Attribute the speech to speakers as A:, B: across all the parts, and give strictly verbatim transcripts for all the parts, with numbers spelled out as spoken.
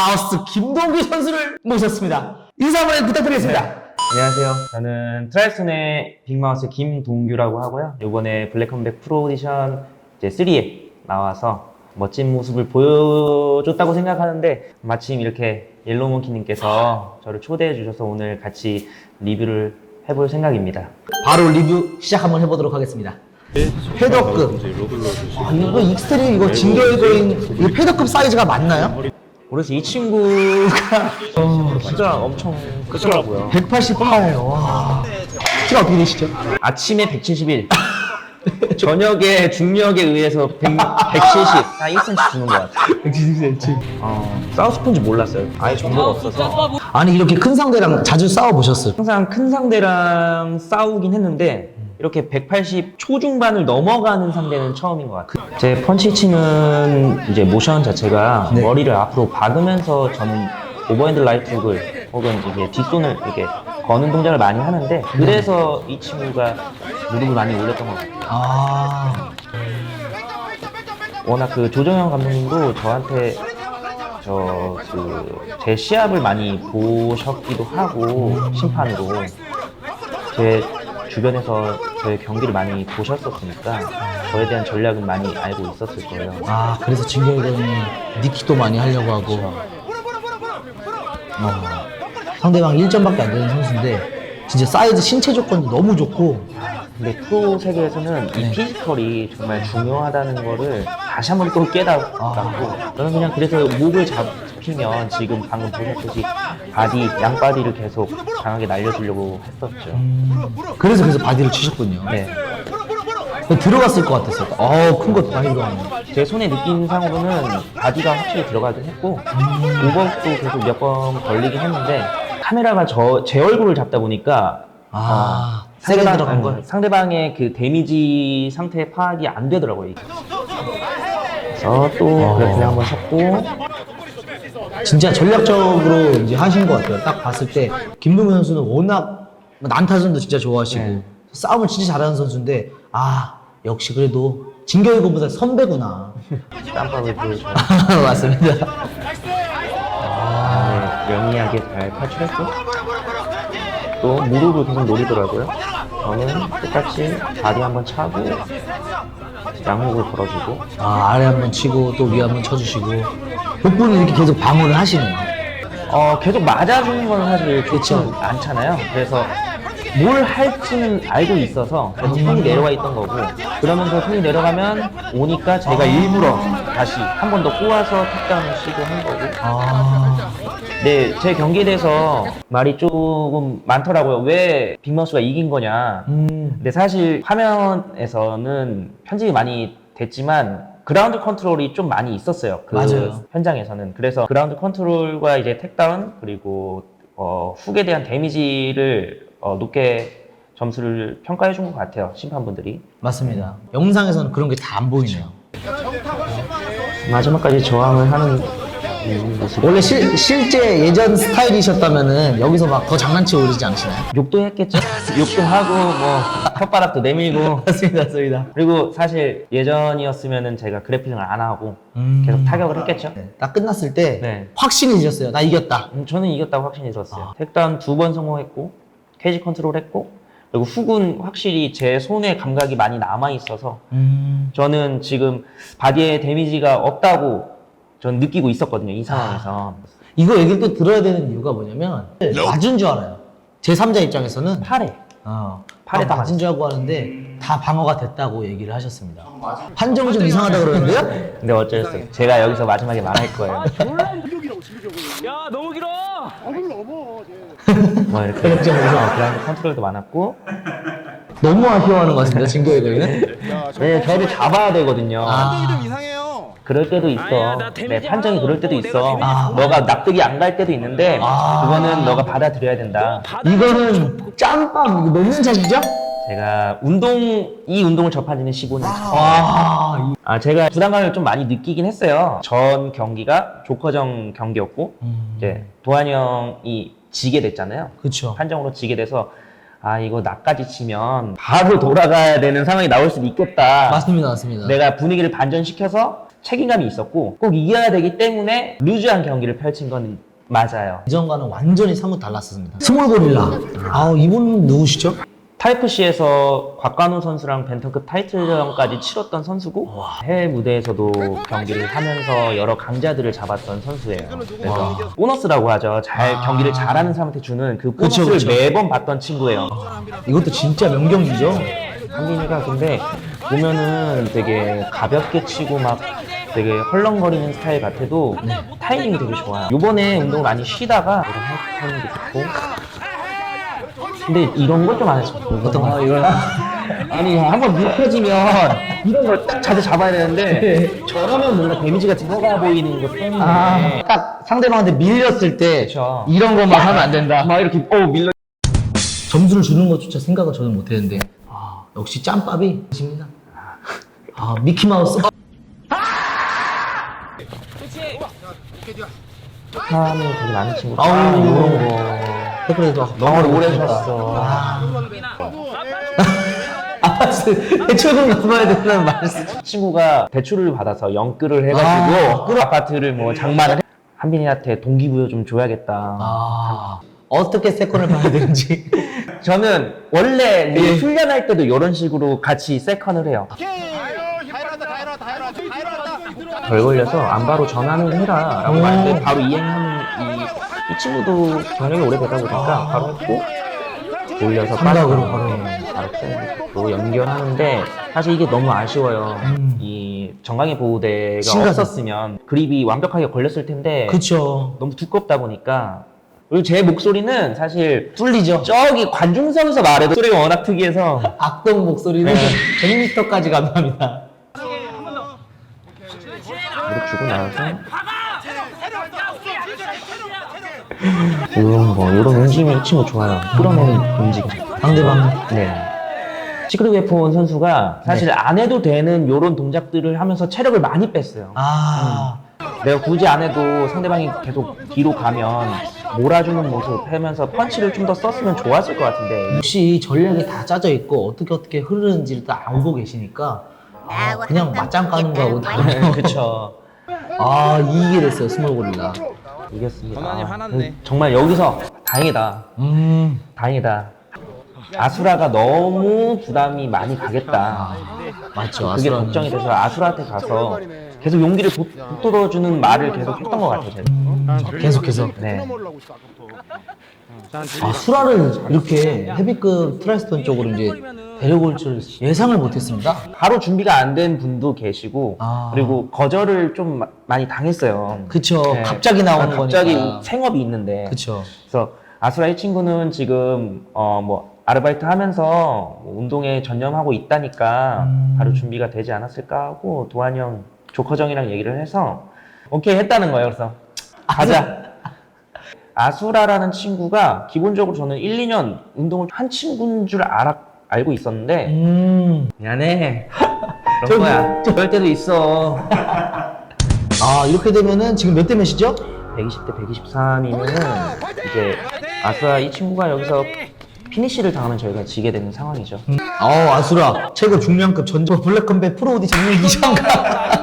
A: 빅마우스 김동규 선수를 모셨습니다. 인사 한번 부탁드리겠습니다.
B: 네. 안녕하세요. 저는 트라이슨의 빅마우스 김동규라고 하고요. 이번에 블랙컴백 프로 오디션 이제 삼에 나와서 멋진 모습을 보여줬다고 생각하는데 마침 이렇게 옐로우몽키님께서 저를 초대해 주셔서 오늘 같이 리뷰를 해볼 생각입니다.
A: 바로 리뷰 시작 한번 해보도록 하겠습니다. 패더급. 아, 이거 익스트림 이거 진격거인 이거 패더급 사이즈가 맞나요?
B: 그래서 이 친구가 어, 진짜 엄청 크더라고요.
A: 백팔십팔. 와. 키가 어떻게 되시죠?
B: 아침에 백칠십일, 저녁에 중력에 의해서 백, 백칠십, 한 일 센티미터 주는 것 같아요.
A: 백칠십 센티미터.
B: 어, 싸우스폰지 몰랐어요. 아예 정보가 없어서.
A: 아니 이렇게 큰 상대랑 자주 싸워 보셨어요?
B: 항상 큰 상대랑 싸우긴 했는데 이렇게 백팔십 초중반을 넘어가는 상대는 처음인 것 같아요. 제 펀치치는 이제 모션 자체가
A: 네.
B: 머리를 앞으로 박으면서 저는 오버핸드 라이트훅을 혹은 이게 뒷손을 이렇게 거는 동작을 많이 하는데 그래서 이 친구가 무릎을 많이 올렸던 것 같아요.
A: 아.
B: 워낙 그 조정현 감독님도 저한테 저 그 제 시합을 많이 보셨기도 하고 심판으로 제 주변에서 저의 경기를 많이 보셨었으니까 저에 대한 전략은 많이 알고 있었을 거예요.
A: 아, 그래서 진격거인이 니키도 많이 하려고 하고. 어. 상대방 일 점밖에 안 되는 선수인데 진짜 사이즈 신체 조건도 너무 좋고.
B: 근데 프로 세계에서는 이
A: 네.
B: 피지컬이 정말 중요하다는 거를 다시 한 번 또 깨달았고
A: 아.
B: 저는 그냥 그래서 목을 잡히면 지금 방금 보셨듯이 바디, 양바디를 계속 강하게 날려주려고 했었죠.
A: 음, 그래서 그래서 바디를 치셨군요.
B: 네.
A: 들어갔을 것 같았어요. 어우, 큰 거 많이 들어갔네.
B: 제 손에 느낀 상으로는 바디가 확실히 들어가긴 했고 오버도 계속 몇 번 걸리긴 했는데 카메라가 저, 제 얼굴을 잡다 보니까
A: 아,
B: 어,
A: 세게
B: 상대방,
A: 들어간 걸?
B: 상대방의 그 데미지 상태 파악이 안 되더라고요. 그래서 또
A: 어.
B: 그래플링 한번 쳤고
A: 진짜 전략적으로 이제 하신 것 같아요. 딱 봤을 때 김동현 선수는 워낙 난타전도 진짜 좋아하시고
B: 네.
A: 싸움을 진짜 잘하는 선수인데 아 역시 그래도 진격이고보다 선배구나.
B: 땀밥을 보여줘요.
A: 맞습니다.
B: 아, 네, 영리하게 잘 탈출했고 또 무릎을 계속 노리더라고요. 저는 똑같이 바디 한번 차고 양목을 걸어주고
A: 아, 아래 한번 치고 또 위에 한번 쳐주시고 복부는 이렇게 계속 방어를 하시네요.
B: 어, 계속 맞아주는 건 사실 좋지
A: 그쵸.
B: 않잖아요. 그래서 뭘 할지는 알고 있어서 계속
A: 음.
B: 손이 내려와 있던 거고 그러면서 손이 내려가면 오니까 제가 일부러 다시 한 번 더 꼬아서 탁다운을 시도한 거고
A: 아,
B: 네, 제 경기에 대해서 말이 조금 많더라고요. 왜 빅마우스가 이긴 거냐.
A: 음,
B: 근데 사실 화면에서는 편집이 많이 됐지만 그라운드 컨트롤이 좀 많이 있었어요. 그
A: 맞아요.
B: 현장에서는. 그래서 그라운드 컨트롤과 이제 택다운 그리고 어, 훅에 대한 데미지를 어, 높게 점수를 평가해 준 것 같아요. 심판분들이.
A: 맞습니다. 영상에서는 그런 게 다 안 보이네요.
B: 마지막까지 저항을 하는 음, 모습.
A: 원래 실, 실제 예전 스타일이셨다면은 여기서 막 더 장난치고 그러지 않으시나요?
B: 욕도 했겠죠. 욕도 하고 뭐 혓바닥도 내밀고.
A: 맞습니다, 맞습니다.
B: 그리고 사실 예전이었으면은 제가 그래플링을 안 하고
A: 음.
B: 계속 타격을 했겠죠.
A: 네, 딱 끝났을 때
B: 네.
A: 확신해지셨어요. 나 이겼다.
B: 음, 저는 이겼다고 확신이 들었어요.
A: 아.
B: 택다운 두 번 성공했고 케이지 컨트롤 했고 그리고 훅은 확실히 제 손의 감각이 많이 남아 있어서
A: 음.
B: 저는 지금 바디에 데미지가 없다고 전 느끼고 있었거든요. 이 상황에서.
A: 이거 얘기를 또 들어야 되는 이유가 뭐냐면 맞은 줄 알아요. 제삼자 입장에서는
B: 팔에
A: 어,
B: 팔에
A: 아,
B: 다
A: 맞은 줄 알고 하는데 다 방어가 됐다고 얘기를 하셨습니다. 판정이 좀 이상하다 그러는데요?
B: 근데 어쩌겠어요. 제가 여기서 마지막에 말할 거예요.
C: 야 너무 길어.
B: 뭐 이렇게
A: 그렇죠, 그렇죠.
B: 어, 그라운드 컨트롤도 많았고
A: 너무 아쉬워하는 것 같습니다. 진격의 거인은.
B: 네, 저를 잡아야 되거든요.
A: 아,
D: 좀 이상해요.
B: 그럴 때도 있어.
C: 아니야, 나
B: 네,
C: 데미지
B: 판정이
C: 하나도
B: 그럴 때도
C: 없고
B: 있어.
C: 내가
A: 아,
B: 너가 납득이 안 갈 때도 있는데
A: 아.
B: 그거는 너가 받아들여야 된다.
A: 이거는 짬밥 이거 넣는 자시죠?
B: 제가 운동 이 운동을 접한 지는 십오 년 차.
A: 아,
B: 아, 제가 부담감을 좀 많이 느끼긴 했어요. 전 경기가 조커정 경기였고
A: 음,
B: 이제 도환이 형이 지게 됐잖아요.
A: 그렇죠.
B: 판정으로 지게 돼서 아 이거 나까지 치면 바로 돌아가야 되는 상황이 나올 수도 있겠다.
A: 맞습니다, 맞습니다.
B: 내가 분위기를 반전시켜서 책임감이 있었고 꼭 이겨야 되기 때문에 루즈한 경기를 펼친 건 맞아요.
A: 이전과는 완전히 사뭇 달랐습니다. 스몰 고릴라. 아, 이분 누구시죠?
B: 타이프C에서 곽관우 선수랑 벤턴급 타이틀전까지 치렀던 선수고 해외 무대에서도 경기를 하면서 여러 강자들을 잡았던 선수예요. 그래서 보너스라고 하죠. 잘
A: 아.
B: 경기를 잘하는 사람한테 주는 그
A: 그쵸,
B: 보너스를
A: 그쵸.
B: 매번 받던 친구예요.
A: 이것도 진짜 명경기죠.
B: 한빈이가 근데 보면은 되게 가볍게 치고 막 되게 헐렁거리는 스타일 같아도 타이밍이 되게 좋아요. 요번에 운동을 많이 쉬다가 이런 타이밍도 좋고 근데 이런 걸 좀 안 했어.
A: 어떤 거?
B: 이걸 아니 한번 눕혀지면 이런 걸 딱 자세 잡아야 되는데 저러면 뭔가 데미지가 들어가 보이는 것 때문에
A: 아, 딱 상대방한테 밀렸을 때
B: 그쵸.
A: 이런 것만 하면 안 된다.
B: 막 이렇게 어 밀려
A: 점수를 주는 것조차 생각을 저는 못했는데 아, 역시 짬밥이 집니다. 아, 미키마우스.
B: 하면 되게 많은 친구.
A: 아우,
B: 아, 이런 거.
A: 그래도
B: 너무 오래 쉬었어.
A: 아, 대출금 갚아야 된다는 말씀.
B: 친구가 대출을 받아서 영끌을 해가지고
A: 아,
B: 그 아파트를 뭐 장만을 해. 한빈이한테 동기부여 좀 줘야겠다.
A: 아, 어떻게 세컨을 봐야 되는지.
B: 저는 원래 그
A: 예.
B: 훈련할 때도 이런 식으로 같이 세컨을 해요. 덜 걸려서 안 바로 전환을 해라 라고
A: 오.
B: 말했는데 바로 이행하는 이, 이 친구도 경력이 오래되다 보니까 바로 했고 올려서
A: 삼각으로
B: 빠지고,
A: 바로.
B: 네, 바로 또 연결하는데 사실 이게 너무 아쉬워요.
A: 음.
B: 이 정강이 보호대가
A: 심각해.
B: 없었으면 그립이 완벽하게 걸렸을 텐데
A: 그쵸.
B: 너무 두껍다 보니까 그리고 제 목소리는 사실
A: 뚫리죠.
B: 저기 관중석에서 말해도 소리가 워낙 특이해서
A: 악동 목소리는 백 미터까지 감사합니다.
B: 무릎 주고 나와서 이런 거 이런 움직임이 이 친구 좋아요. 끌어내는 움직임.
A: 상대방.
B: 네. 시크릿 웨폰 선수가 사실
A: 네.
B: 안 해도 되는 이런 동작들을 하면서 체력을 많이 뺐어요.
A: 아,
B: 내가 굳이 안 해도 상대방이 계속 뒤로 가면 몰아주는 모습 하면서 펀치를 좀 더 썼으면 좋았을 것 같은데
A: 역시 전략이 다 짜져 있고 어떻게 어떻게 흐르는지를 다 알고 계시니까 아, 그냥 맞짱 까는 거하고 다르죠.
B: 그쵸.
A: 아, 이기게 됐어요, 스몰 고릴라.
B: 이겼습니다.
C: 전환이 화났네.
B: 정말 여기서 다행이다.
A: 음,
B: 다행이다. 아수라가 너무 부담이 많이 가겠다.
A: 맞죠.
B: 그게
A: 아수라는.
B: 걱정이 돼서 아수라한테 가서 계속 용기를 북돋워주는 말을 계속 했던 것 같아요. 제가.
A: 음, 계속해서.
B: 네.
A: 아, 수라를 이렇게 헤비급 트라이스톤 쪽으로 이제 데려올 줄 예상을 못했습니다.
B: 바로 준비가 안 된 분도 계시고
A: 아.
B: 그리고 거절을 좀 마- 많이 당했어요.
A: 그쵸.
B: 네.
A: 갑자기 나오는
B: 갑자기
A: 거니까.
B: 생업이 있는데.
A: 그쵸.
B: 그래서 아수라 이 친구는 지금 어 뭐 아르바이트 하면서 뭐 운동에 전념하고 있다니까
A: 음.
B: 바로 준비가 되지 않았을까 하고 도환이 형, 조커정이랑 얘기를 해서 오케이 했다는 거예요. 그래서 가자. 아수라라는 친구가 기본적으로 저는 일, 이 년 운동을 한 친구인 줄 알아, 알고 있었는데
A: 음.
B: 미안해. 그런 거야. 그럴 때도 있어.
A: 아, 이렇게 되면은 지금 몇 대 몇이죠?
B: 백이십 대 백이십삼이면은 이제 아수라 이 친구가 여기서 피니쉬를 당하면 저희가 지게 되는 상황이죠.
A: 음. 어, 아수라. 최고 중량급 전조 블랙컴뱃 프로 오디션 이상가.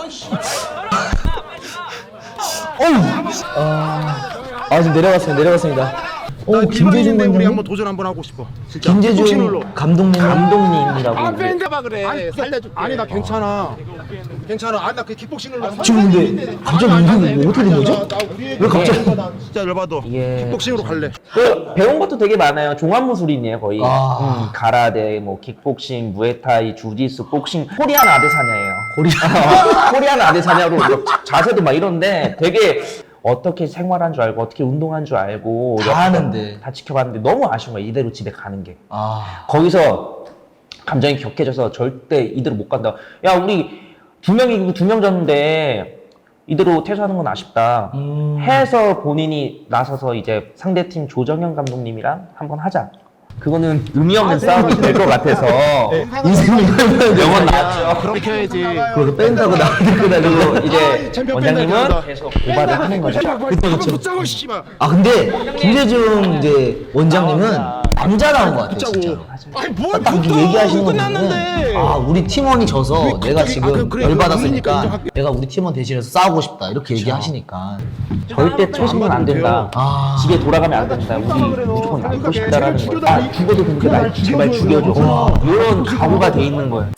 A: 어우. 아, 아, 지금 내려갔습니다. 내려갔습니다. 오, 김재준
D: 우리 한번
A: 감독님.
D: 도전 한번 하고 싶어. 진짜.
A: 김재준
D: 복싱으로.
A: 감독님.
B: 감독님이라고
D: 아,
B: 이제
D: 밴드봐 그래. 아니, 살려줄게. 아니 나 괜찮아. 괜찮아. 아, 나 그 킥복싱으로.
A: 지금 근데 갑자기 이게 어떻게 된 거죠? 왜 갑자기?
D: 나 진짜 열받아.
B: 이게
D: 킥복싱으로 갈래.
B: 그 배운 것도 되게 많아요. 종합무술이네요 거의.
A: 아.
B: 음, 가라데, 뭐 킥복싱, 무에타이, 주짓수, 복싱, 코리안 아데사냐예요.
A: 코리아.
B: 코리안 아데사냐로 막 자세도 막 이런데 되게 어떻게 생활한 줄 알고 어떻게 운동한 줄 알고
A: 다 아는데.
B: 다 지켜봤는데 너무 아쉬운 거야. 이대로 집에 가는 게.
A: 아,
B: 거기서 감정이 격해져서 절대 이대로 못 간다. 야, 우리 두 명이고 두 명 졌는데 이대로 퇴소하는 건 아쉽다.
A: 음.
B: 해서 본인이 나서서 이제 상대팀 조정현 감독님이랑 한번 하자. 그거는 의미 없는 싸움이 될 것 같아서
A: 인생이
B: 영원 나왔죠.
D: 그렇게 해야지.
A: 그거 뺀다고 나왔구나.
B: 그리고 이제
D: 챔피언
B: 원장님은
D: 팬들
B: 계속 고발을 하는 거죠.
A: 그쵸, 그쵸.
D: 붙자고 씨발.
A: 아, 근데 김재중 이제 원장님은 남자 나온 것 같아요,
D: 붙자고.
A: 진짜로.
D: 아니 뭘
A: 딱
D: 붙어?
A: 얘기하시는 거
D: 끝났는데.
A: 보면 아 우리 팀원이 져서
D: 그래,
A: 내가
D: 갑자기-
A: 지금
D: 아, 그래, 그래,
A: 열받았으니까
D: 그러니까 인정할게.
A: 내가 우리 팀원 대신해서 싸우고 싶다 이렇게 얘기하시니까
B: 절대 처신은 안 된다.
A: 아
B: 집에 돌아가면 안 된다. 우리 무조건 남고 싶다라는 거예요. 아, 죽어도 되니까 날 제발 죽여줘. 이런 각오가 돼 있는 거예요.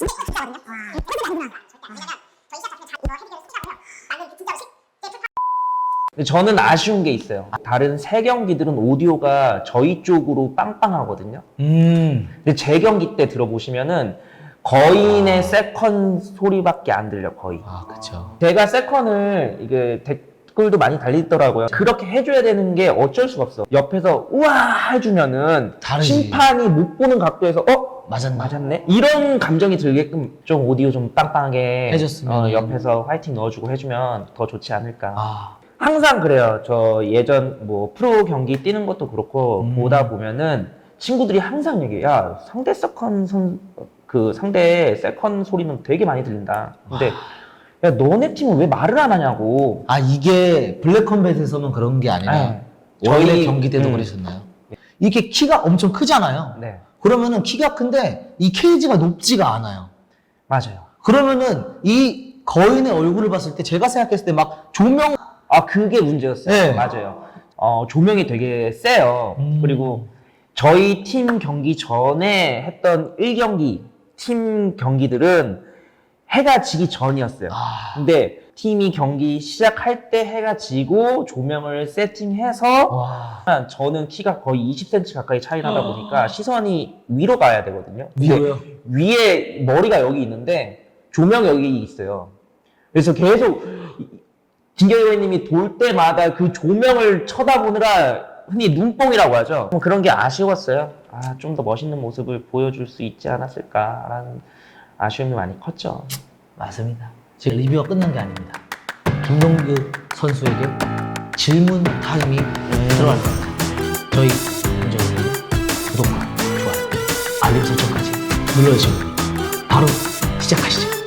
B: 근데 저는 아쉬운 게 있어요. 다른 세 경기들은 오디오가 저희 쪽으로 빵빵하거든요.
A: 음.
B: 근데 제 경기 때 들어보시면은 거인의 세컨 소리밖에 안 들려, 거의.
A: 아 그쵸.
B: 제가 세컨을 이게 댓글도 많이 달리더라고요. 그렇게 해줘야 되는 게 어쩔 수가 없어. 옆에서 우와 해주면은
A: 다르지.
B: 심판이 못 보는 각도에서 어?
A: 맞았나?
B: 맞았네? 이런 감정이 들게끔 좀 오디오 좀 빵빵하게
A: 해줬으면.
B: 어, 옆에서 화이팅 넣어주고 해주면 더 좋지 않을까.
A: 아
B: 항상 그래요. 저 예전 뭐 프로 경기 뛰는 것도 그렇고
A: 음.
B: 보다 보면은 친구들이 항상 얘기해. 야 상대 세컨 선, 그 상대 세컨 소리는 되게 많이 들린다. 근데 야 너네 팀은 왜 말을 안 하냐고.
A: 아 이게 블랙컴뱃에서만 그런 게 아니라
B: 네.
A: 원래
B: 저희-
A: 경기 때도
B: 음.
A: 그러셨나요? 이게 키가 엄청 크잖아요.
B: 네,
A: 그러면은 키가 큰데 이 케이지가 높지가 않아요.
B: 맞아요.
A: 그러면은 이 거인의 얼굴을 봤을 때 제가 생각했을 때 막 조명
B: 아 그게 문제였어요.
A: 네.
B: 맞아요. 어 조명이 되게 세요.
A: 음.
B: 그리고 저희 팀 경기 전에 했던 일 경기 팀 경기들은 해가 지기 전이었어요.
A: 아.
B: 근데 팀이 경기 시작할 때 해가 지고 조명을 세팅해서
A: 와
B: 저는 키가 거의 이십 센티미터 가까이 차이 나다 보니까 시선이 위로 가야 되거든요. 근데
A: 위로요?
B: 위에 머리가 여기 있는데 조명이 여기 있어요. 그래서 계속 김경희님이 돌 때마다 그 조명을 쳐다보느라 흔히 눈뽕이라고 하죠. 뭐 그런 게 아쉬웠어요. 아, 좀 더 멋있는 모습을 보여줄 수 있지 않았을까라는 아쉬움이 많이 컸죠.
A: 맞습니다. 지금 리뷰가 끝난 게 아닙니다. 김동규 선수에게 질문 타임이 들어갈 겁니다. 저희 문제는 구독과 좋아요, 알림 설정까지 눌러주시면 바로 시작하시죠.